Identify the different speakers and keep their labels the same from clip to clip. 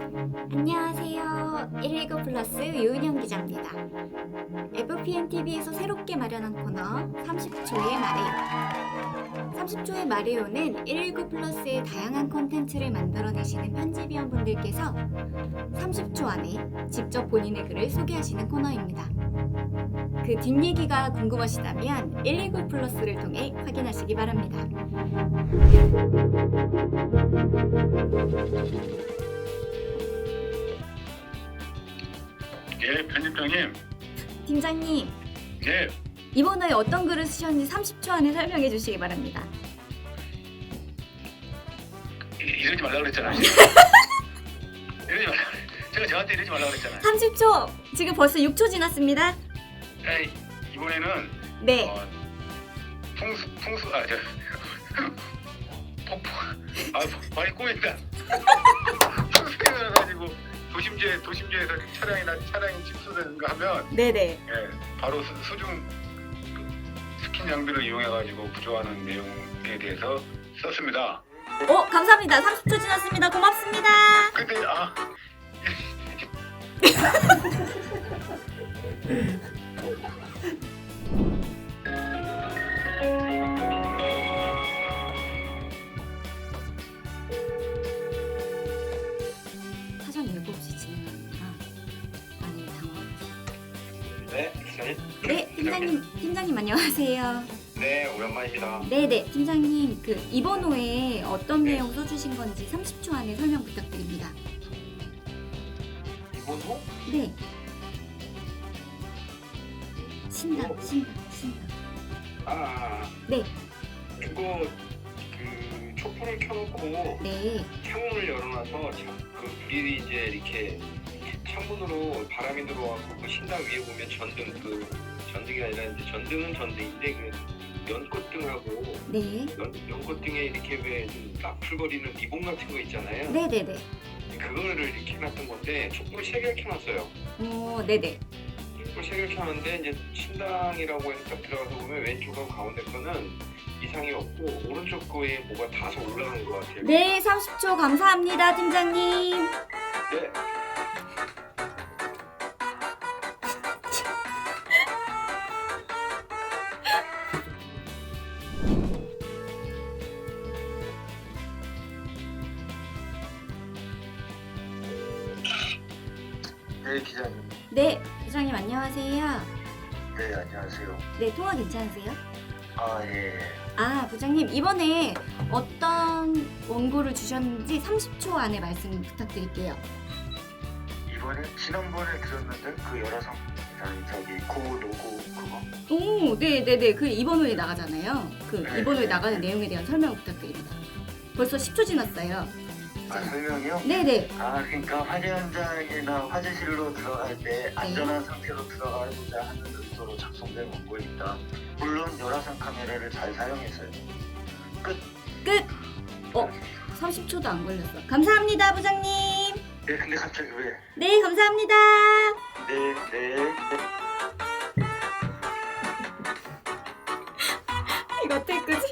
Speaker 1: 안녕하세요. 119 플러스 유은영 기자입니다. FPN TV에서 새롭게 마련한 코너 30초의 마리오. 30초의 마리오는 119 플러스의 다양한 콘텐츠를 만들어내시는 편집위원분들께서 30초 안에 직접 본인의 글을 소개하시는 코너입니다. 그 뒷얘기가 궁금하시다면 119 플러스를 통해 확인하시기 바랍니다.
Speaker 2: 예, 편집장님.
Speaker 1: 팀장님,
Speaker 2: 예,
Speaker 1: 이번 호에 어떤 글을 쓰셨는지 30초 안에 설명해 주시기 바랍니다.
Speaker 2: 이러지 말라 그랬잖아요. 이러지 말라. 제가 저한테 이러지 말라 그랬잖아요.
Speaker 1: 30초! 지금 벌써 6초 지났습니다.
Speaker 2: 에이, 이번에는
Speaker 1: 네.
Speaker 2: 폭포. 많이 꼬인다. 풍수가 가지고 도심지에서 차량이 침수되는가 하면
Speaker 1: 네네.
Speaker 2: 예, 바로 수중 스킨 장비를 이용해가지고 구조하는 내용에 대해서 썼습니다.
Speaker 1: 감사합니다. 30초 지났습니다. 고맙습니다.
Speaker 2: 근데
Speaker 1: 사전 예고 없이 진행하느라 많이 당황했어요.
Speaker 2: 네, 기자님.
Speaker 1: 네, 팀장님 안녕하세요.
Speaker 2: 네, 오랜만입니다.
Speaker 1: 네네, 팀장님 이번 호에 어떤 내용 써주신 건지 30초 안에 설명 부탁드립니다.
Speaker 2: 이번 호?
Speaker 1: 네. 신당. 네.
Speaker 3: 그거 촛불을 켜놓고
Speaker 1: 네.
Speaker 3: 창문을 열어놔서 그 미리 이제 이렇게 창문으로 바람이 들어와서 그 신당 위에 보면 전등이 아니라 이제 전등은 전등인데 그 연꽃등하고
Speaker 1: 네.
Speaker 3: 연꽃등에 이렇게 왜 좀 나풀거리는 리본 같은 거 있잖아요.
Speaker 1: 네네네.
Speaker 3: 그거를 이렇게 해놨던 건데 촛불을 3개를 켜놨어요.
Speaker 1: 네네.
Speaker 3: 촛불 3개를 켜놨는데 이제 신당이라고 해서 딱 들어가서 보면 왼쪽하고 가운데 거는 이상이 없고 오른쪽 거에 뭐가 다소 올라간 것 같아요.
Speaker 1: 네, 30초 감사합니다, 팀장님.
Speaker 3: 네.
Speaker 2: 네, 기자님.
Speaker 1: 네, 부장님 안녕하세요.
Speaker 2: 네, 안녕하세요.
Speaker 1: 네, 통화 괜찮으세요?
Speaker 2: 예.
Speaker 1: 부장님 이번에 어떤 원고를 주셨는지 30초 안에 말씀 부탁드릴게요.
Speaker 4: 이번에 지난번에 들었는데 그 열화상 저기 고 로고 그거
Speaker 1: 네네네. 이번 호에 나가잖아요.
Speaker 4: 네,
Speaker 1: 이번 호에
Speaker 4: 네,
Speaker 1: 나가는
Speaker 4: 네.
Speaker 1: 내용에 대한 설명 부탁드립니다. 벌써 10초 지났어요.
Speaker 4: 설명이요?
Speaker 1: 네네.
Speaker 4: 그러니까 화재 현장이나 화재실로 들어갈 때 안전한 상태로 들어가고자 하는 의도로 작성된 원고입니다. 물론 열화상 카메라를 잘 사용했어요.
Speaker 1: 끝. 30초도 안 걸렸어. 감사합니다, 부장님.
Speaker 4: 네, 근데 갑자기 왜?
Speaker 1: 네, 감사합니다.
Speaker 4: 네.
Speaker 1: 이거 어떻게 끄지?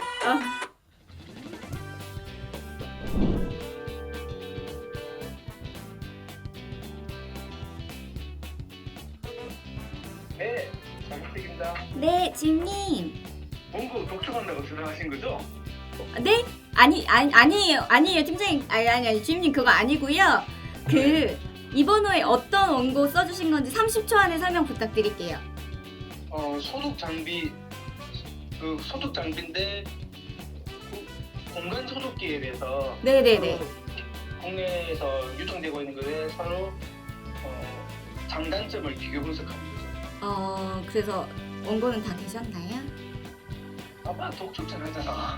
Speaker 3: 네, 장식입니다.
Speaker 1: 네, 지임님.
Speaker 3: 원고 독촉한다고 생각하신 거죠?
Speaker 1: 네? 아니에요, 팀장님. 아니, 주임님 그거 아니고요. 이번 호에 어떤 원고 써주신 건지 30초 안에 설명 부탁드릴게요.
Speaker 5: 소독 장비인데 공간 소독기에 대해서
Speaker 1: 네네네.
Speaker 5: 국내에서 유통되고 있는 것에 서로 장단점을 비교 분석하는 거죠.
Speaker 1: 그래서 원고는 다 되셨나요?
Speaker 5: 아빠 독촉 잘하잖아.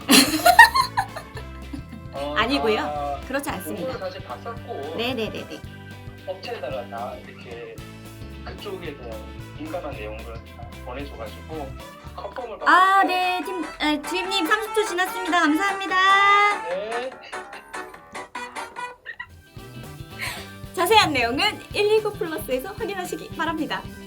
Speaker 1: 아니고요. 그렇지
Speaker 5: 원고를
Speaker 1: 않습니다.
Speaker 5: 사실 봤었고
Speaker 1: 네네네네.
Speaker 5: 업체에다가 다 이렇게 그쪽에 대한 민감한 내용을 다 보내줘가지고 컨펌을 받고
Speaker 1: 네, 주임님 30초 지났습니다. 감사합니다.
Speaker 5: 네.
Speaker 1: 자세한 내용은 119 플러스에서 확인하시기 바랍니다.